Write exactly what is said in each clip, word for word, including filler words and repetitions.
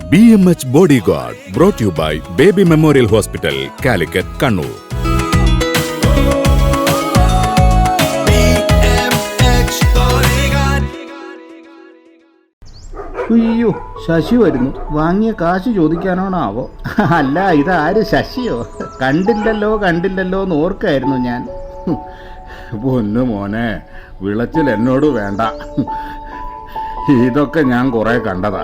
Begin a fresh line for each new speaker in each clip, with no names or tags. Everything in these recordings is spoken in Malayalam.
B M H bodyguard brought you by Baby Memorial Hospital, Calicut, Kannur.
അയ്യോ, ശശി വരുന്നു. വാങ്ങിയ കാശ് ചോദിക്കാനാണാവോ? അല്ല, ഇതാര്, ശശിയോ? കണ്ടില്ലല്ലോ കണ്ടില്ലല്ലോ എന്ന് ഓർക്കായിരുന്നു ഞാൻ.
പൊന്നു മോനെ, വിളച്ചിൽ എന്നോട് വേണ്ട. ഇതൊക്കെ ഞാൻ കുറെ കണ്ടതാ.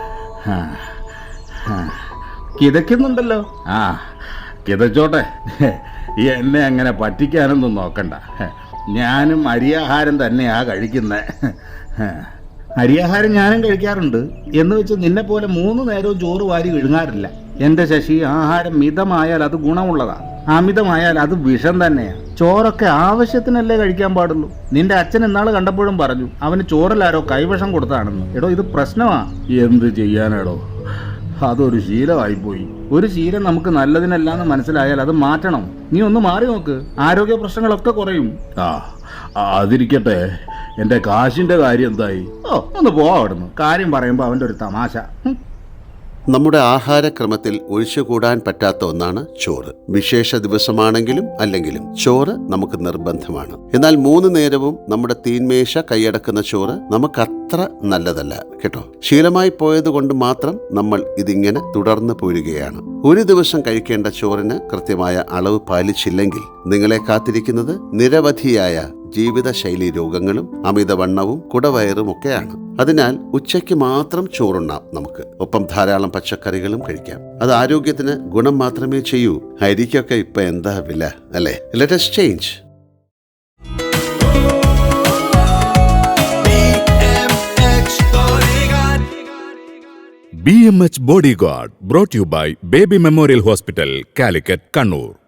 കിതയ്ക്കുന്നുണ്ടല്ലോ.
ആ, കിതച്ചോട്ടെ. എന്നെ അങ്ങനെ പറ്റിക്കാനൊന്നും നോക്കണ്ട. ഞാനും അരിയാഹാരം തന്നെയാ കഴിക്കുന്നത്.
അരിയാഹാരം ഞാനും കഴിക്കാറുണ്ട്. എന്ന് വെച്ച് നിന്നെ പോലെ മൂന്ന് നേരവും ചോറ് വാരി വിഴുങ്ങാറില്ല. എൻ്റെ ശശി, ആഹാരം മിതമായാൽ അത് ഗുണമുള്ളതാ, അമിതമായാൽ അത് വിഷം തന്നെയാ. ചോറൊക്കെ ആവശ്യത്തിനല്ലേ കഴിക്കാൻ പാടുള്ളൂ. നിന്റെ അച്ഛൻ ഇന്നാള് കണ്ടപ്പോഴും പറഞ്ഞു അവന് ചോറിലാരോ കൈവിഷം കൊടുത്താണെന്ന്. എടോ, ഇത് പ്രശ്നമാ.
എന്ത് ചെയ്യാനാടോ, അതൊരു ശീലമായിപ്പോയി.
ഒരു ശീലം നമുക്ക് നല്ലതിനല്ലാന്ന് മനസ്സിലായാൽ അത് മാറ്റണം. നീ ഒന്ന് മാറി നോക്ക്, ആരോഗ്യ പ്രശ്നങ്ങളൊക്കെ കുറയും.
ആ, അതിരിക്കട്ടെ, എൻ്റെ കാശിൻ്റെ കാര്യം എന്തായി?
ഓ, ഒന്ന് പോവാ അവിടുന്ന്. കാര്യം പറയുമ്പോൾ അവൻ്റെ ഒരു തമാശ.
നമ്മുടെ ആഹാരക്രമത്തിൽ ഒഴിച്ചുകൂടാൻ പറ്റാത്ത ഒന്നാണ് ചോറ്. വിശേഷ ദിവസമാണെങ്കിലും അല്ലെങ്കിലും ചോറ് നമുക്ക് നിർബന്ധമാണ്. എന്നാൽ മൂന്ന് നേരവും നമ്മുടെ തീന്മേശ കൈയടക്കുന്ന ചോറ് നമുക്ക് അത്ര നല്ലതല്ല കേട്ടോ. ശീലമായി പോയത് കൊണ്ട് മാത്രം നമ്മൾ ഇതിങ്ങനെ തുടർന്ന് പോരുകയാണ്. ഒരു ദിവസം കഴിക്കേണ്ട ചോറിന് കൃത്യമായ അളവ് പാലിച്ചില്ലെങ്കിൽ നിങ്ങളെ കാത്തിരിക്കുന്നത് നിരവധിയായ ജീവിതശൈലി രോഗങ്ങളും അമിതവണ്ണവും കുടവയറും ഒക്കെയാണ്. അതിനാൽ ഉച്ചയ്ക്ക് മാത്രം ചോറുണ്ണാം നമുക്ക്. ഒപ്പം ധാരാളം പച്ചക്കറികളും കഴിക്കാം. അത് ആരോഗ്യത്തിന് ഗുണം മാത്രമേ ചെയ്യൂ. അരിക്കൊക്കെ ഇപ്പൊ എന്താ വില അല്ലേ? Let us change.
B M H bodyguard brought you by Baby Memorial Hospital, Calicut, Kannur.